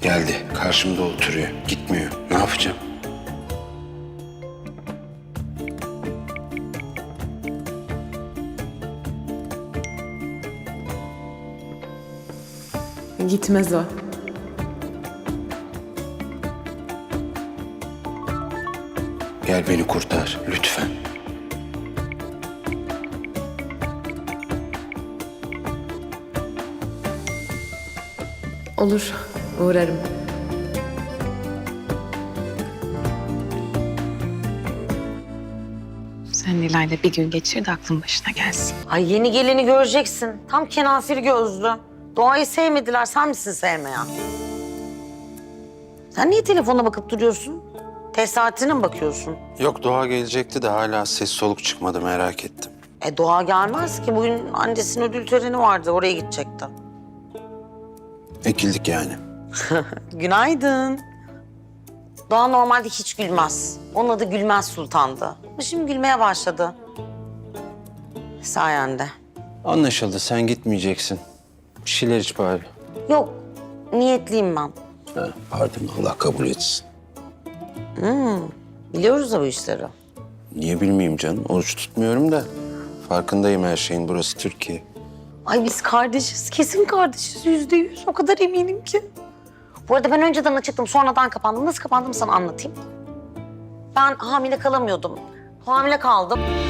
Geldi. Karşımda oturuyor. Gitmiyor. Ne yapacağım? Gitmez o. Gel beni kurtar lütfen. Olur, uğrarım. Sen Nilay'la bir gün geçir de aklın başına gelsin. Ay yeni geleni göreceksin. Tam kenafir gözlü. Doğayı sevmediler, sen misin sevmeyen? Sen niye telefona bakıp duruyorsun? Test saatine mi bakıyorsun? Yok, Doğa gelecekti de hala ses soluk çıkmadı, merak ettim. Doğa gelmez ki. Bugün annesinin ödül töreni vardı, oraya gidecekti. Ekildik yani. Günaydın. Doğa normalde hiç gülmez. Onun adı Gülmez Sultan'dı. Ama şimdi gülmeye başladı. Sayende. Anlaşıldı, sen gitmeyeceksin. Bir şeyler iç bari. Yok, niyetliyim ben. Ha, pardon, Allah kabul etsin. Biliyoruz da bu işleri. Niye bilmeyeyim canım? Oruç tutmuyorum da. Farkındayım her şeyin, burası Türkiye. Ay biz kardeşiz, kesin kardeşiz. %100. O kadar eminim ki. Bu arada ben önceden açıktım, sonradan kapandım. Nasıl kapandım sana anlatayım. Ben hamile kalamıyordum. Hamile kaldım.